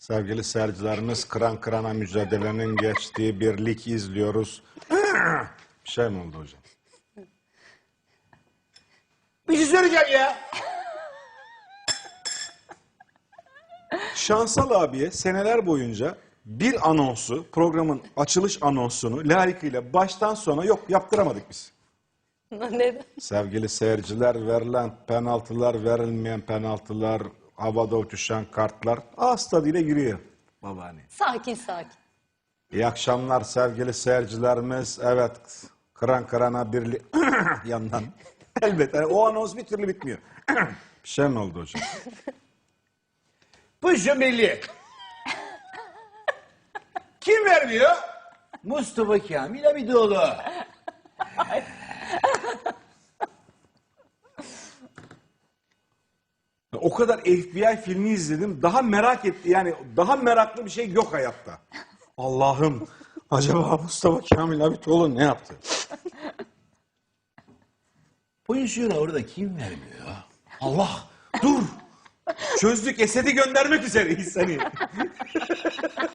Sevgili seyircilerimiz, kıran kırana mücadelenin geçtiği bir lig izliyoruz. Bir şey mi oldu hocam? Bir şey söyleyeceğim ya. Şansal abiye seneler boyunca bir anonsu, programın açılış anonsunu layıkıyla baştan sona yok yaptıramadık biz. Neden? Sevgili seyirciler, verilen penaltılar, verilmeyen penaltılar, havada uçuşan kartlar ağız tadıyla giriyor babaanne. Sakin sakin. İyi akşamlar sevgili seyircilerimiz. Evet, kıran kırana birli yandan. Elbette o anons bir türlü bitmiyor. Bir şey mi oldu hocam? Pozisyon belli. Kim vermiyor? Mustafa Kamil Abidoğlu. O kadar FBI filmi izledim. Daha merak etti. Yani daha meraklı bir şey yok hayatta. Allah'ım. Acaba Mustafa Kamil Abitoğlu ne yaptı? Pozisyonu orada kim vermiyor? Allah dur. Çözdük. Esed'i göndermek üzereyiz seni.